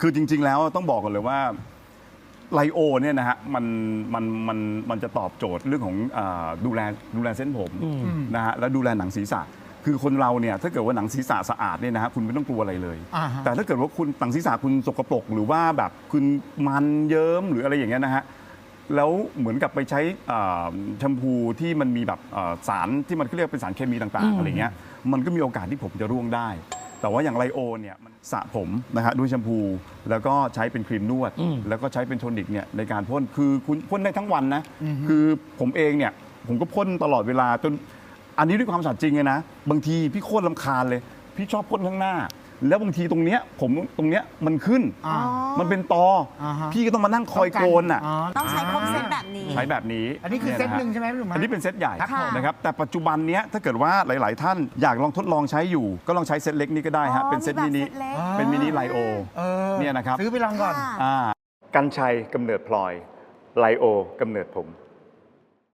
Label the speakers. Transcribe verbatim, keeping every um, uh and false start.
Speaker 1: คือจริงๆแล้วต้องบอกกันเลยว่าไลโอเนี่ยนะฮะมันมันมันมันจะตอบโจทย์เรื่องของดูแลดูแลเส้นผมนะฮะแล้วดูแลหนังศีรษะคือคนเราเนี่ยถ้าเกิดว่าหนังศีรษะสะอาดเนี่ยนะฮะคุณไม่ต้องกลัวอะไรเลยแต่ถ้าเกิดว่าคุณหนังศีรษะคุณสกปรกหรือว่าแบบคุณมันเยิ้มหรืออะไรอย่างเงี้ยนะฮะแล้วเหมือนกับไปใช้แชมพูที่มันมีแบบสารที่มันเรียกเป็นสารเคมีต่างๆอะไรเงี้ยมันก็มีโอกาสที่ผมจะร่วงได้แต่ว่าอย่างไลโอเนี่ยมันสระผมนะฮะด้วยแชมพูแล้วก็ใช้เป็นครีมนวดแล้วก็ใช้เป็นโทนิกเนี่ยในการพ่นคือคุณพ่นได้ทั้งวันนะคือผมเองเนี่ยผมก็พ่นตลอดเวลาจนอันนี้ด้วยความสัตย์จริงเลยนะบางทีพี่โคตรรำคาญเลยพี่ชอบพ่นข้างหน้าแล้วบางทีตรงเนี้ยผมตรงเนี้ยมันขึ้นมันเป็นตอพี่ก็ต้องมานั่งคอยโกนอ่ะ
Speaker 2: ต้องใช้ครบเซตแบบนี้
Speaker 1: ใช้แบบนี้
Speaker 3: อันนี้คือเซตหนึ่งใช่ไหมพี่หนุ่ม
Speaker 1: อันนี้เป็นเซตใหญ่นะครับแต่ปัจจุบันเนี้ยถ้าเกิดว่าหลายๆท่านอยากลองทดลองใช้อยู่ก็ลองใช้เซตเล็กนี้ก็ได้ฮะเป็นเซตมินิเป็นมินิไลโอเนี่ยนะครับ
Speaker 3: ซื้อไปลองก่อน
Speaker 1: กัญชัยกำเนิดพลอยไลโอกำเนิดผม